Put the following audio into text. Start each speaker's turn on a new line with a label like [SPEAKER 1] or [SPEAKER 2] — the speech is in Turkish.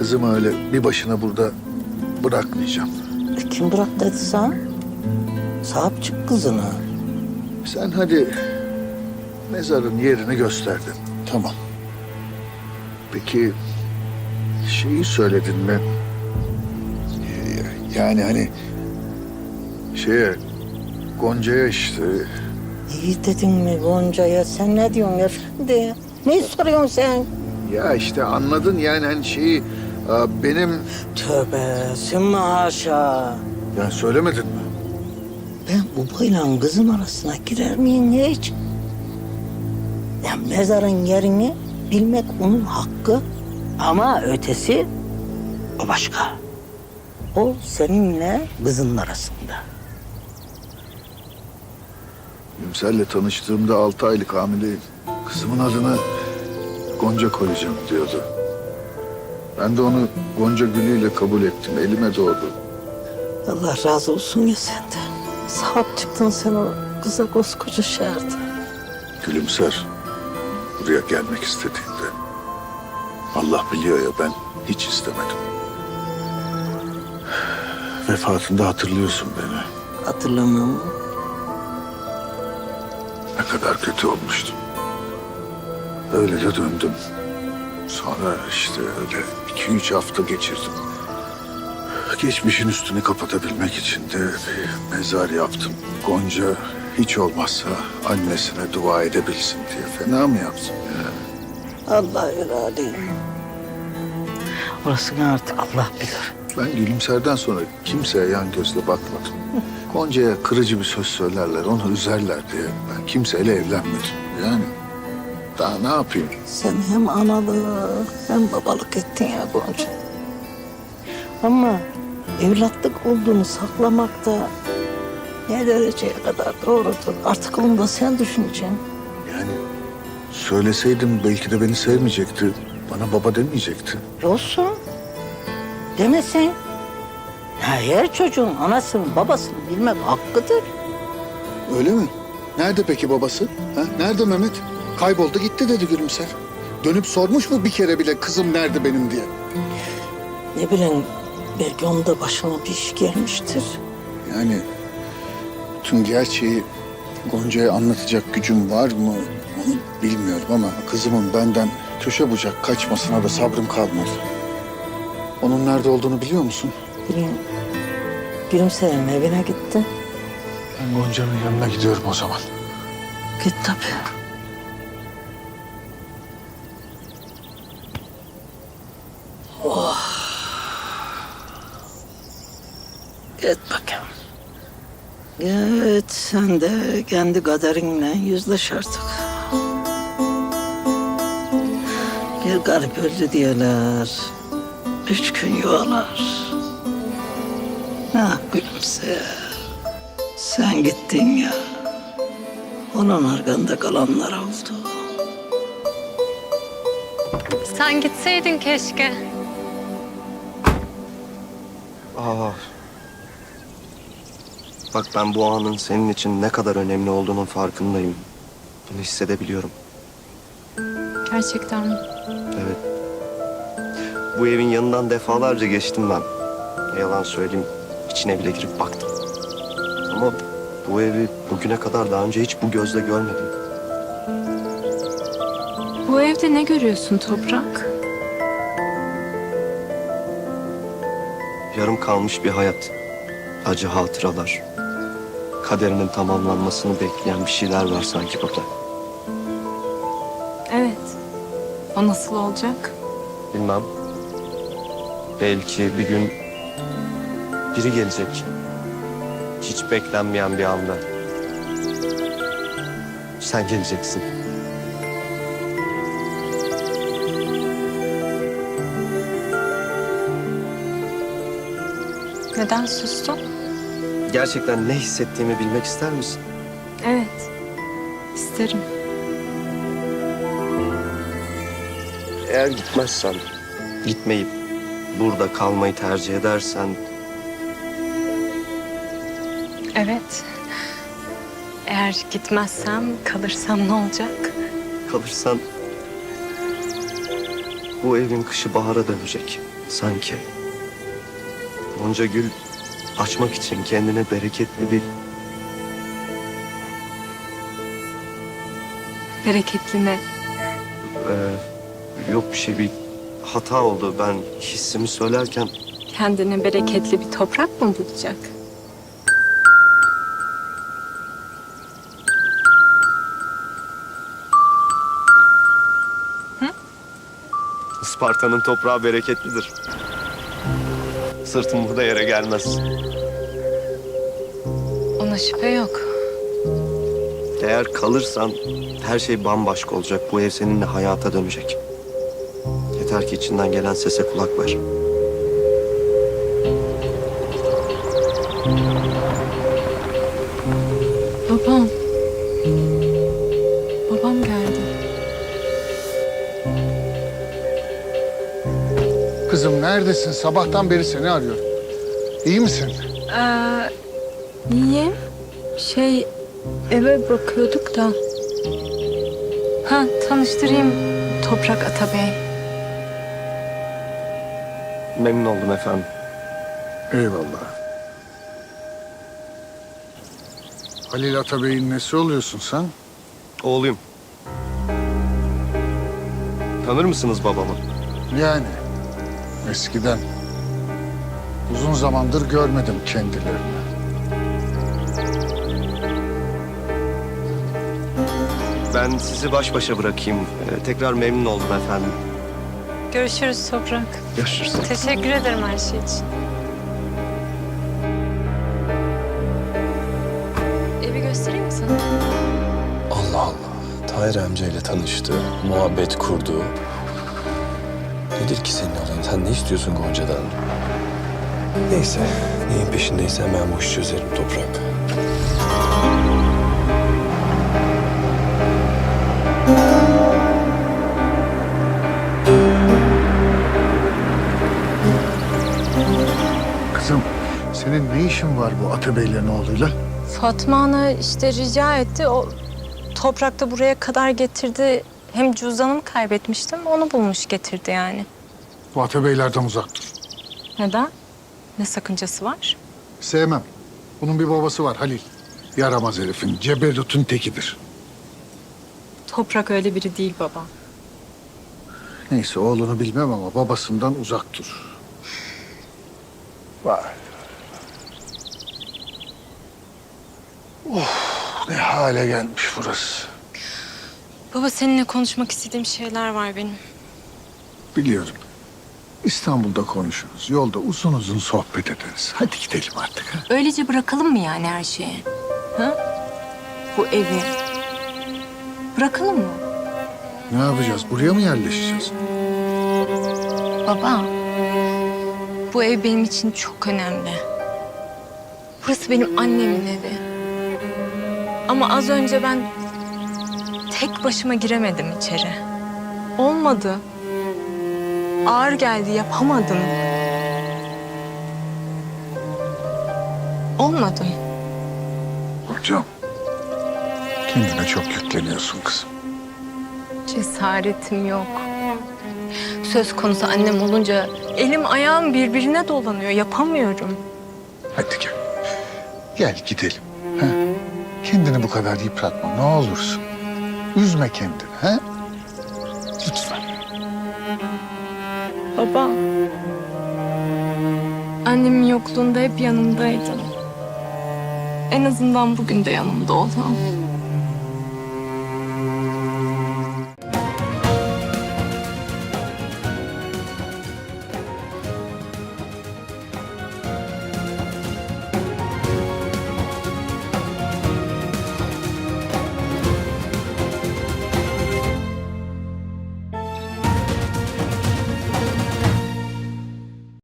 [SPEAKER 1] kızımı öyle bir başına burada bırakmayacağım.
[SPEAKER 2] Kim bırak dedi sana? Sahip çık kızına.
[SPEAKER 1] Sen hadi mezarın yerini gösterdin. Tamam. Peki şeyi söyledin mi? Yani hani şeye Gonca'ya işte
[SPEAKER 2] İyi dedin mi Gonca'ya? Sen ne diyorsun efendi? Ne soruyorsun sen?
[SPEAKER 1] ya işte anladın yani hani şeyi benim
[SPEAKER 2] Tövbe sümme haşa.
[SPEAKER 1] ya söylemedin mi?
[SPEAKER 2] Ben babayla kızın arasına girer miyim hiç? Ya mezarın yerini bilmek onun hakkı. Ama ötesi o başka. O seninle kızın arasında.
[SPEAKER 1] Gülümser'le tanıştığımda 6 aylık hamileyim. Kızımın adını Gonca koyacağım diyordu. Ben de onu Gonca gülüyle kabul ettim. Elime doğdu.
[SPEAKER 2] Allah razı olsun ya senden. Sahip çıktın sen o kıza koskoca şehirde.
[SPEAKER 1] Gülümser buraya gelmek istediğinde Allah biliyor ya ben hiç istemedim. Vefatında hatırlıyorsun beni.
[SPEAKER 2] Hatırlamam mı?
[SPEAKER 1] Ne kadar kötü olmuştum. Öyle de döndüm. Sonra işte öyle 2-3 hafta geçirdim. Geçmişin üstünü kapatabilmek için de bir mezar yaptım. Gonca hiç olmazsa annesine dua edebilsin diye. Fena mı yaptım ya?
[SPEAKER 2] Allah irade. Orasını artık Allah bilir.
[SPEAKER 1] Ben Gülümser'den sonra kimseye yan gözle bakmadım. Gonca'ya kırıcı bir söz söylerler, onu üzerler diye ben kimseyle evlenmedim. Yani daha ne yapayım?
[SPEAKER 2] Sen hem analık hem babalık ettin ya Gonca. Ama evlatlık olduğunu saklamak da ne dereceye kadar doğrudur. Artık onu da sen düşüneceksin.
[SPEAKER 1] Yani söyleseydim belki de beni sevmeyecekti. Bana baba demeyecekti.
[SPEAKER 2] Olsun. Demesin. Ya her çocuğun anasını babasını bilmek hakkıdır.
[SPEAKER 1] Öyle mi? Nerede peki babası? Ha? Nerede Mehmet? Kayboldu gitti dedi Gülümser. Dönüp sormuş mu bir kere bile kızım nerede benim diye?
[SPEAKER 2] Ne bileyim belki onun da başına bir iş gelmiştir.
[SPEAKER 1] Yani tüm gerçeği Gonca'ya anlatacak gücüm var mı onu bilmiyorum ama kızımın benden köşe bucak kaçmasına da sabrım kalmadı. Onun nerede olduğunu biliyor musun?
[SPEAKER 2] Bileyim. Gülümser'in evine gitti.
[SPEAKER 1] Ben Gonca'nın yanına gidiyorum o zaman.
[SPEAKER 2] Git tabii. Git bakayım. Git sen de kendi kaderinle yüzleş artık. Bir garip öldü diyorlar. 3 gün yuvalar. Ah gülümse. Sen gittin ya. Onun arkanda kalanlar oldu.
[SPEAKER 3] Sen gitseydin keşke.
[SPEAKER 4] Aa. Bak ben bu anın senin için ne kadar önemli olduğunun farkındayım. Bunu hissedebiliyorum.
[SPEAKER 3] Gerçekten mi?
[SPEAKER 4] Evet. Bu evin yanından defalarca geçtim ben. Ne yalan söyleyeyim, içine bile girip baktım. Ama bu evi bugüne kadar daha önce hiç bu gözle görmedim.
[SPEAKER 3] Bu evde ne görüyorsun Toprak?
[SPEAKER 4] Yarım kalmış bir hayat. Acı hatıralar. Kaderinin tamamlanmasını bekleyen bir şeyler var sanki burada.
[SPEAKER 3] Evet. O nasıl olacak?
[SPEAKER 4] Bilmem. Belki bir gün biri gelecek. Hiç beklenmeyen bir anda. Sen geleceksin.
[SPEAKER 3] Neden sustun?
[SPEAKER 4] Gerçekten ne hissettiğimi bilmek ister misin?
[SPEAKER 3] Evet. İsterim.
[SPEAKER 4] Eğer gitmezsen, gitmeyip burada kalmayı tercih edersen...
[SPEAKER 3] Evet. Eğer gitmezsem, kalırsam ne olacak?
[SPEAKER 4] kalırsan bu evin kışı bahara dönecek sanki. Gonca gül açmak için kendine bereketli bir...
[SPEAKER 3] Bereketli ne?
[SPEAKER 4] Yok bir şey, bir hata oldu. Ben hissimi söylerken
[SPEAKER 3] Kendine bereketli bir toprak mı bulacak?
[SPEAKER 4] Isparta'nın toprağı bereketlidir. Sırtım burada yere gelmez.
[SPEAKER 3] Ona şüphe yok.
[SPEAKER 4] Eğer kalırsan her şey bambaşka olacak. Bu ev seninle hayata dönecek. Yeter ki içinden gelen sese kulak ver.
[SPEAKER 3] Babam. Babam geldi.
[SPEAKER 1] Kızım neredesin? Sabahtan beri seni arıyorum. İyi misin?
[SPEAKER 3] İyiyim. Eve bakıyorduk da. Ha, tanıştırayım Toprak Atabey.
[SPEAKER 4] Memnun oldum efendim.
[SPEAKER 1] Eyvallah. Halil Atabey'in nesi oluyorsun sen?
[SPEAKER 4] Oğluyum. Tanır mısınız babamı?
[SPEAKER 1] Yani eskiden. Uzun zamandır görmedim kendilerini.
[SPEAKER 4] Ben sizi baş başa bırakayım. Tekrar memnun oldum efendim.
[SPEAKER 3] Görüşürüz Toprak.
[SPEAKER 4] Görüşürüz.
[SPEAKER 3] Teşekkür ederim her şey için. Evi göstereyim mi sana?
[SPEAKER 5] Allah Allah. Tahir amcayla tanıştı, muhabbet kurdu. Nedir ki senin olayın? Sen ne istiyorsun Gonca'dan? Neyse, neyin peşindeyse hemen bu işi çözerim Toprak.
[SPEAKER 1] Kızım senin ne işin var bu Atabeylerin oğluyla?
[SPEAKER 3] Fatma Ana işte rica etti. O Toprak da buraya kadar getirdi. Hem cüzdanımı kaybetmiştim. Onu bulmuş getirdi yani.
[SPEAKER 1] Bu Atabeylerden uzak dur.
[SPEAKER 3] Neden? Ne sakıncası var?
[SPEAKER 1] Sevmem. Bunun bir babası var Halil. Yaramaz herifin, ceberutun tekidir.
[SPEAKER 3] Toprak öyle biri değil baba.
[SPEAKER 1] Neyse oğlunu bilmem ama babasından uzak dur. Vay. Ne hale gelmiş burası.
[SPEAKER 3] Baba seninle konuşmak istediğim şeyler var benim.
[SPEAKER 1] Biliyorum. İstanbul'da konuşuruz. Yolda uzun uzun sohbet ederiz. Hadi gidelim artık. Ha?
[SPEAKER 3] Öylece bırakalım mı yani her şeyi? Ha? Bu evi. Bırakalım mı?
[SPEAKER 1] Ne yapacağız? Buraya mı yerleşeceğiz?
[SPEAKER 3] Baba, bu ev benim için çok önemli. Burası benim annemin evi. Ama az önce ben tek başıma giremedim içeri. Olmadı. Ağır geldi, yapamadım. Olmadı.
[SPEAKER 1] Hocam. Kendine çok yükleniyorsun kızım.
[SPEAKER 3] Cesaretim yok. Söz konusu annem olunca elim ayağım birbirine dolanıyor. Yapamıyorum.
[SPEAKER 1] Hadi gel. Gel gidelim. Ha? Kendini bu kadar yıpratma ne olursun. Üzme kendini. Ha? Lütfen.
[SPEAKER 3] Baba. Annemin yokluğunda hep yanımdaydın. En azından bugün de yanımda ol. Tamam.